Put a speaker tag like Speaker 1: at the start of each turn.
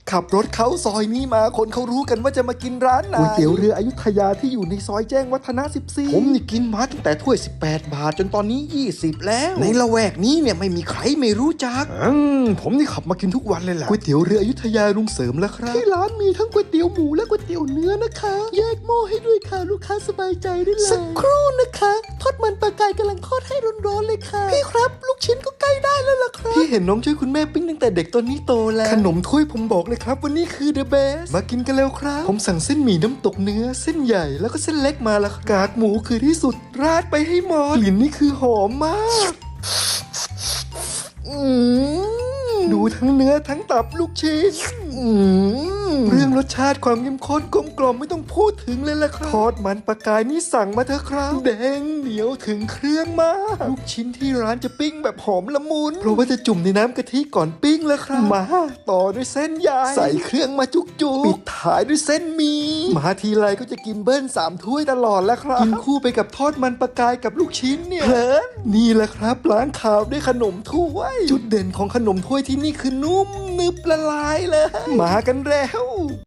Speaker 1: ขับรถเข้าซอยนี้มาคนเขารู้กันว่าจะมากินร้านไหนก๋วยเตี๋ยวเรืออยุธยาที่อยู่ในซอยแจ้งวัฒนะ14ผมนี่กินมาตั้งแต่ถ้วย18 บาทจนตอนนี้20แล้วในละแวกนี้เนี่ยไม่มีใครไม่รู้จักผมนี่ขับมากินทุกวันเลยแหละก๋วยเตี๋ยวเรืออยุธยาลุงเสริมแล้วครับที่ร้านมีทั้งก๋วยเตี๋ยวหมูและก๋วยเตี๋ยวเนื้อนะคะแยกหม้อให้ด้วยค่ะลูกค้าสบายใจได้เลยสักครู่นะคะทอดมันปลากายกำลังทอดให้ร้อนๆเลยค่ะพี่ครับลูกชิ้นก็ใกล้ได้แล้วล่ะครับพี่เห็นน้องช่วยคุณแม่ปิ้งตั้งแต่เด็กตอนนี้โตแล้วขนมถ้วยผมบอกเลยครับวันนี้คือ the best มากินกันแล้วครับผมสั่งเส้นหมี่น้ำตกเนื้อเส้นใหญ่แล้วก็เส้นเล็กมาแล้วกากหมูคือที่สุดราดไปให้หมดกลิ่นนี่คือหอมมากดูทั้งเนื้อทั้งตับลูกชิ้นเรื่องรสชาติความเข้มข้นกลมกล่อมไม่ต้องพูดถึงเลยล่ะครับทอดมันปลากายนี่สั่งมาเถอะครับแดงเหนียวถึงเครื่องมากลูกชิ้นที่ร้านจะปิ้งแบบหอมละมุนเพราะว่าจะจุ่มในน้ำกะทิก่อนปิ้งแล้วครับมาต่อด้วยเส้นใหญ่ใส่เครื่องมาจุกๆปิดท้ายด้วยเส้นหมี่มาทีไรก็จะกินเบิ้ล3 ถ้วยตลอดแล้วครับกินคู่ไปกับทอดมันปลากายกับลูกชิ้นเนี่ยเพลินนี่แหละครับล้างขาวด้วยขนมถ้วยจุดเด่นของขนมถ้วยที่นี่คือนุ่มนึบละลายเลยมากันแล้ว